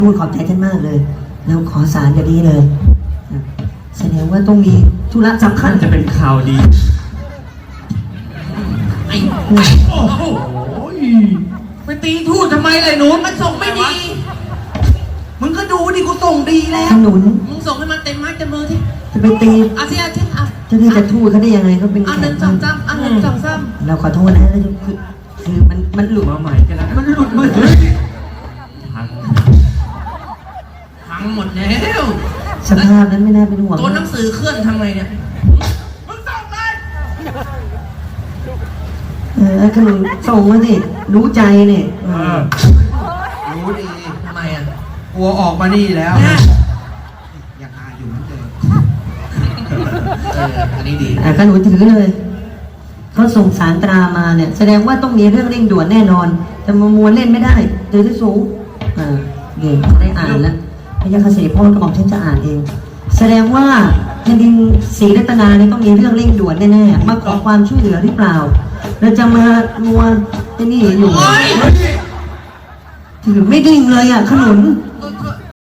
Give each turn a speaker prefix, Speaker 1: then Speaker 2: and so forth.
Speaker 1: พูดขอบใจท่านมากเลยแล้วขอสารอย่างนี้เลยแสดงว่าต้องมีธุระสำคัญ
Speaker 2: จะเป็นข่าวดี
Speaker 3: โอ้โหไปตีทูตทำไมเลยหนูมันส่งไม่ดีมึงก็ดูดิกูส่งดีแล้ว
Speaker 1: ขนุน
Speaker 3: มึงส่งให้มันเต็มไม้เต็มมือที่
Speaker 1: จะไปตี
Speaker 3: เอาสิเอาสิเอา
Speaker 1: เจ้าที่จะทูตเขาได้ยังไงเขาเป็น
Speaker 3: เอา
Speaker 1: แข
Speaker 3: หนึ่
Speaker 1: ก
Speaker 3: งสองสามเอาหนึ่งสองสาม
Speaker 1: เราขอโทษนะคือมันหลุด
Speaker 2: มาใหม่กันแล้ว
Speaker 1: มันหลุดมือ
Speaker 3: พังหมดแล้ว
Speaker 1: สภาพนั้นไม่น่าเป็นห่วง
Speaker 3: ตัวหนังสือเคลื่อนทำไงเนี่ยมึงส่งเลย
Speaker 1: ขนุนส่งมาสิรู้ใจเนี่ย
Speaker 4: รู้ดี
Speaker 3: ทำไมอ่ะ
Speaker 4: กลัวออกมานี่แล้ว อยากอายอยู่เหมือนเดิม
Speaker 3: อันนี้ดี
Speaker 1: ขนุนถือเลยเขาส่งสารตรามาเนี่ยแสดงว่าต้องมีเรื่องเร่งด่วนแน่นอนจะมามัวเล่นไม่ได้เดี๋ยวจะสูงเดี๋ยวได้อ่านแล้วพระยาคเสพ่อกระบอกฉันจะอ่านเอง แสดงว่าแผ่นดินศรีรัตนาเนี่ยต้องมีเรื่องเร่งด่วนแน่ๆมาขอความช่วยเหลือหรือเปล่าเราจะมามัวไอ้นี่อยู่ถือไม่ดิ่งเลยอ่ะขนุน